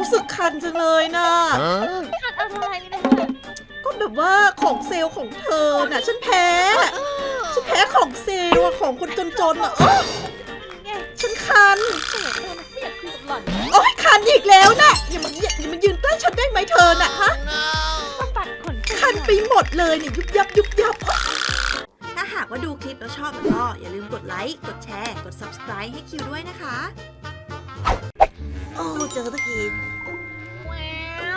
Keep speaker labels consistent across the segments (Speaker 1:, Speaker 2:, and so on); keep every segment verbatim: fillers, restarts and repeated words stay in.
Speaker 1: รู้สึกคันจังเลยนะ
Speaker 2: คันอะไรนะ
Speaker 1: ก็แบบว่าของเซลล์ของเธอน่ะฉันแพ้ฉันแพ้ของเซลล์อะของคนจนๆอ่ะเออ
Speaker 2: ไง
Speaker 1: ฉันคัน
Speaker 2: เสียเลยนะไม่อยากคุยกับหล่อน
Speaker 1: โอ๊ยคันอีกแล้วนะอย่ามาอย่าอย่ามายืนใกล้ฉันได้ไหมเธอน่ะฮะ
Speaker 2: ต้องปัดขน
Speaker 1: คันไปหมดเลยเนี่ยยุบยับยุบยับถ้าหากว่าดูคลิปแล้วชอบก็อย่าลืมกดไลค์กดแชร์กด ซับสไครบ์ ให้คิวด้วยนะคะโอ้เจอสักที
Speaker 2: ว้าว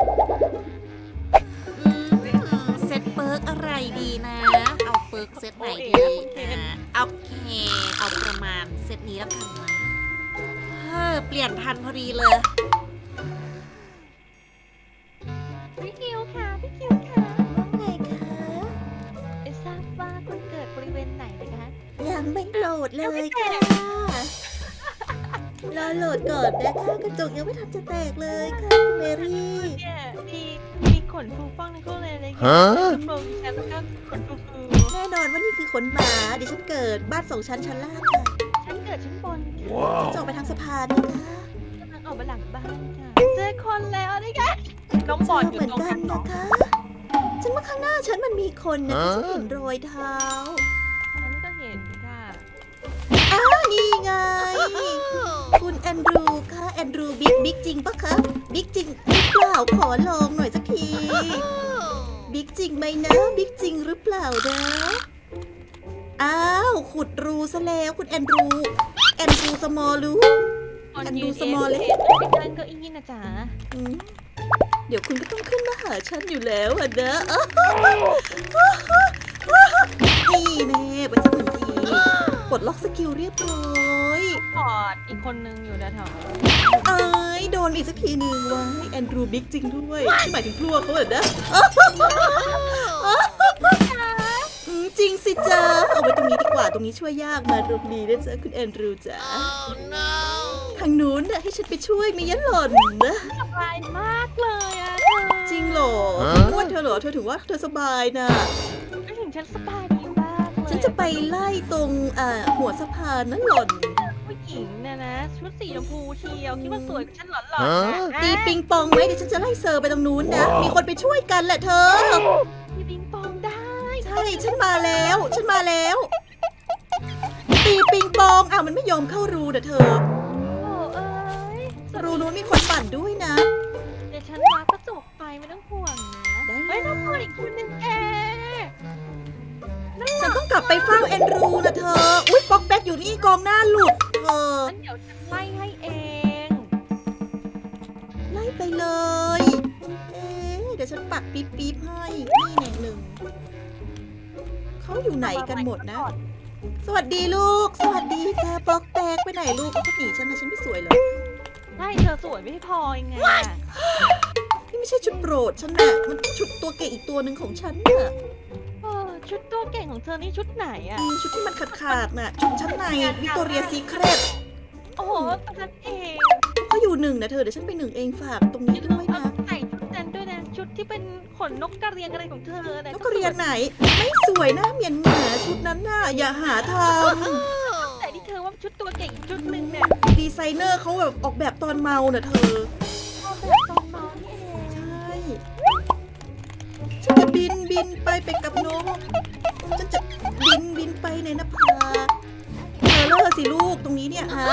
Speaker 1: อืมเซตเปิร์กอะไรดีนะ เอาเปิร์กเซตไหนดีอ่าโอเค เอาประมาณเซตนี้แล้วกันนะเออเปลี่ยนทันพอดีเลย
Speaker 2: พี่คิวค่ะพี่คิวค่ะ
Speaker 1: ไงคะ
Speaker 2: ไม่ทราบว่าคุณเกิดบริเวณไหนนะคะ
Speaker 1: ยังไม่โหลดเลยค่ะรอโหลดก่อนนะคะกระจกยังไม่ทันจะแตกเลยค่ะคุณเมรี่
Speaker 2: เนี่ยมีมีขนฟูฟ่องทั้งคู่เลยอะไรเงี้ยคุณโบมีฉันแล้วก็ขนฟูฟู
Speaker 1: แน่นอนว่านี่คือขนหมาดิฉันเกิดบ้านสองชั้นชั้นล่างค่ะ
Speaker 2: ฉันเกิดชั้นบน
Speaker 1: จะออกไปทางสะพานนะคะ
Speaker 2: กำลังออกมาหลังบ้านค่ะเจอคนแล้วนี่ไงน้องบอลอ
Speaker 1: เจ
Speaker 2: ยู่
Speaker 1: เหมือน
Speaker 2: ตรง
Speaker 1: กั
Speaker 2: นั้น น
Speaker 1: นะคะ ฉันว่าข้างหน้าฉันมันมีคนนะฉันเห็นรอยเท้า
Speaker 2: ฉันก็เห็นค่ะ
Speaker 1: อ้าวนี่ไง คุณแอนดรูค่ะแอนดรูบิ๊กบิ๊กจริงปะคะบิ๊กจริงหรือเปล่าขอลองหน่อยสักทีบิ๊กจริงไหมนะบิ๊กจริงหรือเปล่านะอ้าวขุดรูซะแล้วคุณแอนดรูแอนดรูสมอลรู
Speaker 2: คน
Speaker 1: อัน
Speaker 2: ยื
Speaker 1: ดู
Speaker 2: น
Speaker 1: ส
Speaker 2: เอ
Speaker 1: มอล
Speaker 2: ง
Speaker 1: เลย
Speaker 2: เป็นการเก็อีนะจ๊ะ
Speaker 1: อืมเดี๋ยวคุณก็ต้องขึ้นมาหาฉันอยู่แล้วอะนะนี่แน่ไปสักหนึ่งทีปลดล็อกสกิลเรียบร้อย
Speaker 2: กอดอีกคนนึงอยู่นะแถว
Speaker 1: เอ้ยโดนอีกสักทีหนึ่งไว้แอนดรูบิ๊กจริงด้วยที่หมายถึงพลวกเขาเหรอนะอืมจริงสิจ้าเอาไว้ตรงนี้ดีกว่าตรงนี้ช่วยยากมาตรงนี้นะจ๊ะคุณแอนดรูจ้าทางนู้นน่ะให้ฉันไปช่วยมียันหล่อนนะ
Speaker 2: สบายมากเลยอะเธอ
Speaker 1: จริงเหรออ้วนเธอเหรอเธอถือว่าเธอสบายนะ
Speaker 2: ไม่ถึงฉันสบายดีมากเลย
Speaker 1: ฉันจะไปไล่ตรงอ่าหัวสะพานนั่นหล่อน
Speaker 2: ผู้หญิงเนี่ยนะ ชุดสีชมพูเชียวคิดว่าสวยกว่าฉันหรอหล่อนนะ
Speaker 1: ตีปิงปองไหมเดี๋ยวฉันจะไล่เซอร์ไปตรงนู้นนะ มีคนไปช่วยกันแหละเธอ
Speaker 2: มีปิงปองได้
Speaker 1: ใช่ ฉันมาแล้ว ฉันมาแล้ว ตีปิงปองอ้าวมันไม่ยอมเข้ารูนะเธอ
Speaker 2: โอ้เอ้ย
Speaker 1: รูนู้นมีคนปั่นด้วยนะ
Speaker 2: เดี๋ยวฉันวางกระจกไปไม่ต้องห่วงนะ
Speaker 1: ได้เลย
Speaker 2: เฮ้ยน้องพออีกคนนึงแอร์นั่น
Speaker 1: ฉันต้องกลับไปเฝ้าแอนดรูนะเธอ อุ๊ยป๊อกแป๊กอยู่นี่กองหน้าหลุดเธอ
Speaker 2: งั้นเดี๋ยวฉันไล่ให้เอง
Speaker 1: ไล่ไปเลย เอ๊ะเดี๋ยวฉันปักปิ๊บปิ๊บให้นี่แน่หนึ่งเขาอยู่ไหนกันหมดนะ สวัสดีลูก สวัสดีจ้าป๊อกแป๊กไปไหนลูกเขาหนีฉันนะฉันไม่สวยเหรอ
Speaker 2: ได้เธอสวยไม่พอยังไงอะ
Speaker 1: นี่ไม่ใช่ชุดโปรดฉันน่ะมันเป็นชุดตัวเก๋อีกตัวหนึ่งของฉันน่ะ
Speaker 2: เออชุดตัวเก่งของเธอนี่ชุดไหนอะ
Speaker 1: อีชุดที่มันขาดขาดๆน่ะชุดชั้นในวิกตอเรียซีเครต
Speaker 2: โอ้โหตอนนั้นเอง
Speaker 1: เขาอยู่หนึ่งนะเธอเดี๋ยวฉันไปหนึ่งเองฝากตรงนี้ด้วยนะ
Speaker 2: ใส่ชุดนั้นด้วยนะชุดที่เป็นขนนกกระเรียนอะไรของเธอนะ
Speaker 1: แล้วก็เรียนไหน ไม่สวยนะเหมียนหมาชุดนั้นน่ะอย่าหาท
Speaker 2: แต่ที่เธอว่าชุดตัวเก่งอีกชุดหนึ่งเนี่ย
Speaker 1: ำดีไซเนอร์เขาแบบออกแบบตอนเมาน่ะเธอ
Speaker 2: เอาแบบตอนเมานี่เอง
Speaker 1: ใช่ฉันจะบินบินไปไปกับนกฉันจะบินบินไปในนภาเธอเลิกสิลูกตรงนี้เนี่ยฮะ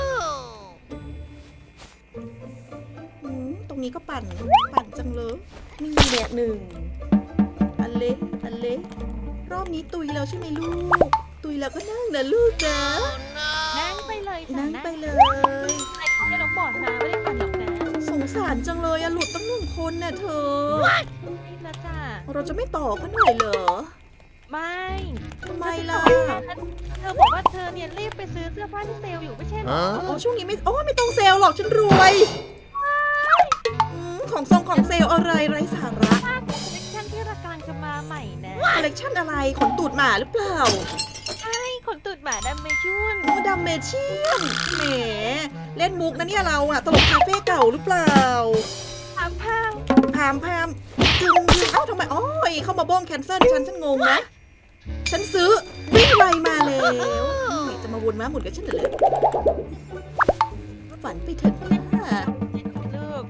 Speaker 1: อืมตรงนี้ก็ปั่นปั่นจังเลยนี่แหละหนึ่งอันเล็กอันเล็กรอบนี้ตุยแล้วใช่ไหมลูก ตุยแล้วก็นั่งนะลูกนะ
Speaker 2: นั่งไปเลยจ้ะ
Speaker 1: นั่งไปเลย
Speaker 2: ไอ้เขาจะน้องบอดมาไม่ได้ปั่นหรอกนะ
Speaker 1: สงสารจังเลยอะหลุดตั้งหนึ่งคนน่ะเธอ
Speaker 2: นี่ละจ้ะ
Speaker 1: เราจะไม่ต่อเขาหน่อยเหรอ
Speaker 2: ไม่
Speaker 1: ทำไมล่ะ
Speaker 2: เธอบอกว่าเธอเนี่ยรีบไปซื้อเสื้อผ้าที่เซลล์อยู่ไม่ใช่เหรอ
Speaker 1: อ๋อช่วงนี้ไม่โอ้ไม่ต้องเซลล์หรอกฉันรวยอืมของทรงของเซลล์อะไรไร้สาระ
Speaker 2: ผ้าคอลเลคชั่นที่รากำลังจะมาใหม่นะ
Speaker 1: คอลเลกชันอะไรขนตูดหมาหรือเปล่า
Speaker 2: ใช่ขนตูดหมาดำเมชุน
Speaker 1: โอ้ดำเมเชียนแหมเล่นมุกนะเนี่ยเราอะตลกคาเฟ่เก่าหรือเปล่า
Speaker 2: พามพัง
Speaker 1: พามพามจึงจึงเอ้าทำไมอ๋อยเข้ามาบ้องแคนเซิลฉันฉันงงนะ ฉันซื้อวิ่งไวมาแล้วนี่จะมาวนม้าหมุนกับฉันเหรอฝันไปเถอะนะ
Speaker 2: ลูก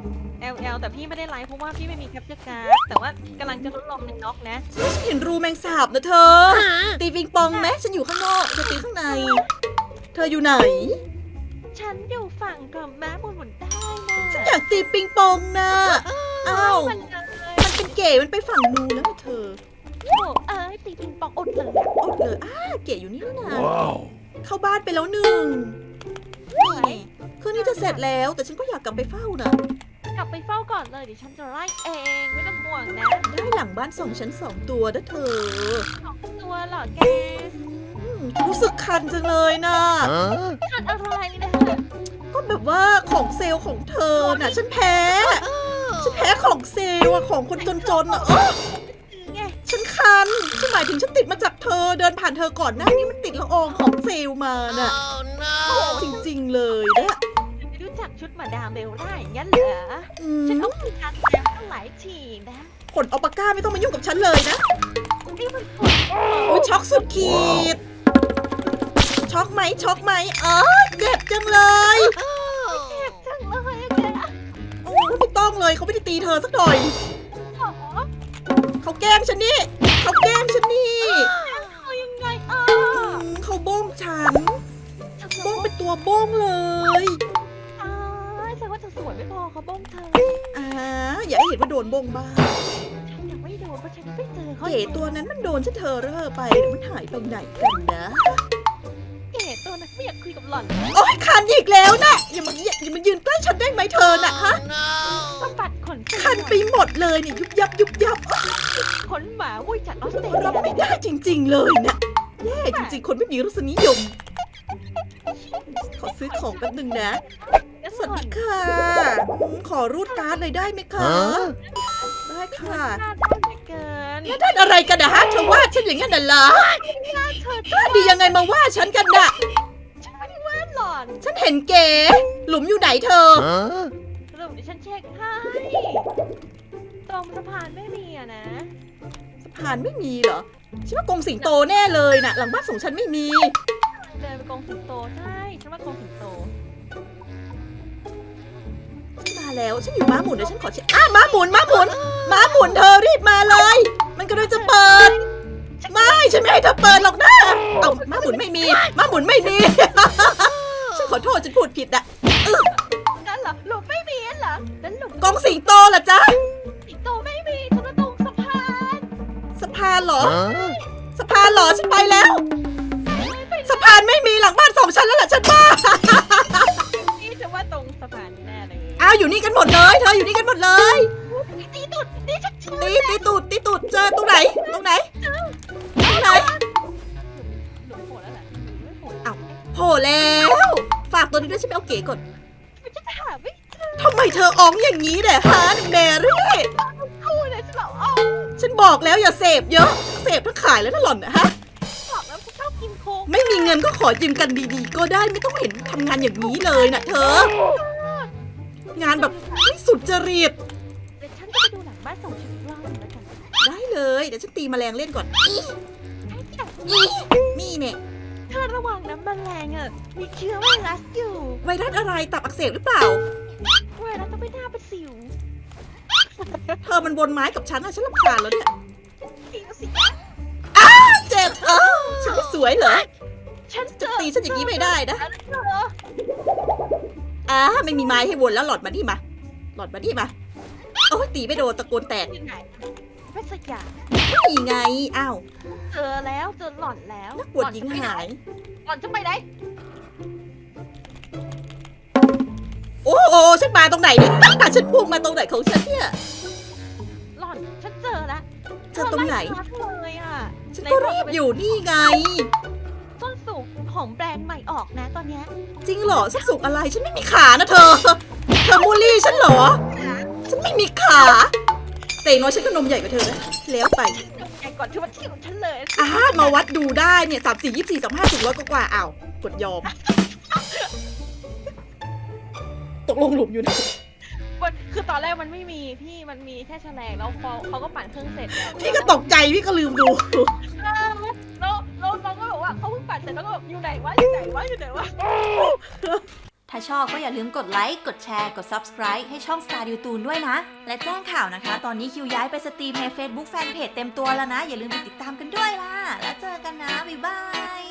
Speaker 2: แต่พี่ไม่ได้ไลฟ์เพราะว่าพี่ไม่มีแคปเจอร์การ์ดแต่ว่ากำลังจะทดลองในน็อกนะ
Speaker 1: ฉันเห็นรูแมงสาบนะเธอ ตีปิงปองไหมฉันอยู่ข้างนอกเธอตีข้างใน เธออยู่ไหน
Speaker 2: ฉันอยู่ฝั่งกับม้าหมุนหมุนได้นะ
Speaker 1: ฉันอยากตีปิงปองนะอ้าว
Speaker 2: มันเลย
Speaker 1: มันเป็นเก๋มันไปฝั่งนู้นแล้วนะเธอ
Speaker 2: โอ้เอ้ยตีปิงปองอดเลยอะ
Speaker 1: อดเลยอ้าเก๋อยู่นี่นี่นะ
Speaker 3: Wow.
Speaker 1: เข้าบ้านไปแล้วหนึ่งนี่ไงคืนนี้จะเสร็จแล้ว แต่ฉันก็อยากกลับไปเฝ้านะ
Speaker 2: กลับไปเฝ้าก่อนเลยเดี๋ยวฉันจะไล่เองไม่ต้องห่วงนะ
Speaker 1: ได้หลังบ้านส่งฉันสองตัวนะเธอ
Speaker 2: สองตัวเหรอแก
Speaker 1: อืมรู้สึกคันจังเลยนะ
Speaker 3: Huh?
Speaker 2: ขัดอะไรนะ
Speaker 1: ก็แบบว่าของเซลล์ของเธอน่ะ ฉันแพ้ ฉันแพ้ของเซลล์อะของคนจนๆอะเออ
Speaker 2: คือไง
Speaker 1: ฉันคันฉันหมายถึงฉันติดมาจากเธอเดินผ่านเธอก่อนหน้านี้มันติดละอองของเซลล์มาน่ะ
Speaker 3: Oh
Speaker 1: จริงๆเลยนะ
Speaker 2: ไม่รู้จักชุดมาดามเบลได้อย่างนั้นเหรอ
Speaker 1: อื
Speaker 2: ฉัน
Speaker 1: ม
Speaker 2: ต้องมีการแซมตั้งหลายทีนะ
Speaker 1: ผลอัลปาก้าไม่ต้องมายุ่งกับฉันเลยนะ
Speaker 2: นี่มันปวด
Speaker 1: โอ้ยช็อกสุดขีด ช็อกไหมช็อกไหมเออเจ็บจังเลย
Speaker 2: เจ็บจังเลยอะแก
Speaker 1: โอ้ไม่ต้องเลยเขาไม่ได้ตีเธอสักหน่อย
Speaker 2: ขอ
Speaker 1: เขาแกล้งฉันนี่เขาแกล้งฉันนี่
Speaker 2: เอายังไงอ่ะ
Speaker 1: อืมเขาโบ้งฉัน
Speaker 2: ฉัน
Speaker 1: โบ้งเป็นตัวโบ้งเลย
Speaker 2: ตายแสดงว่าเธอสวยไม่พอเขาบ้องเธอ
Speaker 1: อ่าอย่าให้เห็นว่าโดนโบ้งบ้าง
Speaker 2: ฉันยังไม่โดนเพราะฉันไม่เจอเขา
Speaker 1: เก๋ตัวนั้นมันโดนฉันเธอเร่อไปเดี๋ยวมันหายไปไหนกันนะ
Speaker 2: เก๋ตัวนั้นไม่อยากคุยกับหล่อน
Speaker 1: โอ้ยคันอีกแล้วนะอย่ามาอย่าอย่ามายืนใกล้ฉันได้ไหมเธอน่ะฮะ
Speaker 2: สะบัดขน
Speaker 1: คันไปหมดเลยเนี่ยยุบยับยุบยับอ๊ะ
Speaker 2: ขนหมาวุ้ยจากออสเตร
Speaker 1: รับ
Speaker 2: เลีย
Speaker 1: ไม่ได้จริง ๆ เลยเนี่ยแย่จริง ๆ คนไม่มีรสนิยม ขอซื้อของแป๊บนึงนะ สวัสดีค่ะอืมขอรูดการ์ดเลยได้ไหมคะ
Speaker 3: Huh?
Speaker 1: ได้ค่ะ
Speaker 2: หน้าด้านเหลือเกิน
Speaker 1: แล้วได้อะไรกันนะฮะเธอว่าฉันอย่างนั้นน่ะเหรอ
Speaker 2: หน้าเธอก
Speaker 1: ล้าดียังไงมาว่าฉันกันน่ะ
Speaker 2: ฉันไม่ได้ว่าหล่อน
Speaker 1: ฉันเห็นเก๋หลุมอยู่ไหนเธอ
Speaker 3: Huh?
Speaker 2: สรุปเดี๋ยวฉันเช็คให้ตรงสะพานไม่มีอะนะ
Speaker 1: สะพานไม่มีเหรอฉันว่ากรงสิงโตแน่เลยน่ะ หลังบ้านส่งฉันไม่มี
Speaker 2: เดินไปกองสิงโตใช่ฉันว่ากองสิงโต
Speaker 1: ฉันมาแล้วฉันอยู่ม้าหมุนเดี๋ยวฉันขอเช็คอ้าม้าหมุนม้าหมุนม้าหมุนเธอรีบมาเลย มันกำลังจะเปิด ไม่ฉันไม่ให้เธอเปิดหรอกนะเอาม้าหมุนไม่มีม้าหมุนไม่มี ฉันขอโทษฉันพูดผิดอะ
Speaker 2: นั่นเหรอหลุมไม่มีนั่นเหรอนั่นหลุม
Speaker 1: กองสิงโตเหรอจ๊ะ
Speaker 2: สิงโตไม่มีฉันว่าตรงสะพาน
Speaker 1: สะพานเหรอ
Speaker 3: Huh?
Speaker 1: สะพานเหรอฉันไปแล้ว สะพานไม่มีหลังบ้านสองชั้นแล้วล่ะฉันว่า
Speaker 2: นี่จะว่าตรงสะพานแน่เลย
Speaker 1: อ้าวอยู่นี่กันหมดเลย เธออยู่นี่กันหมดเลย
Speaker 2: ตีตุดนี่ฉันเชื่อ
Speaker 1: ตีตีตูดตีตูดเจอตรงไหน ตรงไหน ตรงไหน
Speaker 2: หลุมโผล่แล้วแหละไม่โผล่
Speaker 1: อ้าว โผล่แล้ว ฝากตัวนี้ด้วยฉันไปเอาเก๋ก่อน
Speaker 2: มันจะหาไม่เจอ
Speaker 1: ทำไมเธออ้องอย่างนี้เนี่ยฮะแมรี่
Speaker 2: คู่เลยฉันบอกอ๋อ
Speaker 1: ฉันบอกแล้วอย่าเสพเยอะ เสพทั้งขายแล้วนะหล่อนนะฮะ
Speaker 2: บอกแล้วฉันชอบกินโค้ก
Speaker 1: ไม่มีเงินก็ขอยืมกันดีๆ ก็ได้ไม่ต้องเห็นทำงานอย่างนี้เลยนะเธอ งานแบบไม่สุจริต
Speaker 2: เดี๋ยวฉันจะไปดูหลังบ้านส่งฉันอีกรอบหนึงแล้วกัน
Speaker 1: ได้เลย เดี๋ยวฉันตีแมลงเล่นก่อน
Speaker 2: ไอ้เนี่ย
Speaker 1: นี่เนี่ย
Speaker 2: เธอระวังนะแมลงอ่ะมีเชื้อไวรัสอยู่
Speaker 1: ไวรัสอะไรตับอักเสบหรือเปล่า
Speaker 2: ไวรัสต้องไม่น่าเป็นสิว
Speaker 1: เธอมันวนไม้กับฉันอะฉันรำคาญแล้วเนี่ย
Speaker 2: สิวสิ
Speaker 1: อ้าเจ็บเออฉันไม่สวยเหรอ
Speaker 2: ฉันเจ
Speaker 1: จะ
Speaker 2: อ
Speaker 1: ตีฉันอย่างนี้ไม่ได้นะ
Speaker 2: อันเธอ
Speaker 1: อ่าไม่มีไม้ให้วนแล้วหลอดมาดิมา หลอดมาดิมา โอ้ยตีไม่โดนตะโกนแตก
Speaker 2: อยู่ไหนไม่สักอย่าง
Speaker 1: นี่ไง อ้าว
Speaker 2: เจอแล้วเจอหล่อนแล้ว
Speaker 1: นักบวชหญิงหาย
Speaker 2: หล่อนจะไปไหน
Speaker 1: โอ้โอ้ฉันมาตรงไหนเนี่ย ฉันพุ่งมาตรงไหนของฉันเนี่ย
Speaker 2: หล่อนฉันเจอแล้ว
Speaker 1: เจอตรงไหน
Speaker 2: เธอไล่ฉันเลยอ่ะ
Speaker 1: ฉันก็รีบอยู่นี่ไง
Speaker 2: ส้นสูงของแบรนด์ใหม่ออกนะตอนเนี้ย
Speaker 1: จริงเหรอสักสุกอะไร ฉันไม่มีขานะเธอ เธอมูลลี่ฉันเหรอ ฉันไม่มีขา แต่อย่างน้อยฉันก็นมใหญ่กว่าเธอนะ แล้วไป
Speaker 2: ไอ้ก่อนที่ว่าที่ของฉันเลย
Speaker 1: อ่ามาวัดดูได้เนี่ยสามสี่ยี่สี่สามห้าถึงร้อยกว่าๆอ้าวกดยอม ตกลงหลุมอยู่นะ
Speaker 2: มันคือตอนแรกมันไม่มีพี่มันมีแค่แฉลงแล้วพอเขาก็ปั่นเครื่องเสร็จแล้ว
Speaker 1: พี่ก็ตกใจพี่ก็ลืมดู
Speaker 2: เออแล้วแล้วน้องก็บอกว่าเขาเพิ่งปั่นเสร็จแล้วก็แบบอยู่ไหนวะอยู่ไหนวะอยู่ไหนวะ
Speaker 3: ถ้าชอบก็อย่าลืมกดไลค์ กดแชร์ กด Subscribe ให้ช่อง Star ดิวตูนด้วยนะ และแจ้งข่าวนะคะ ตอนนี้คิวย้ายไปสตรีมใน Facebook Fanpage เต็มตัวแล้วนะ อย่าลืมไปติดตามกันด้วยล่ะ แล้วเจอกันนะ บ๊ายบาย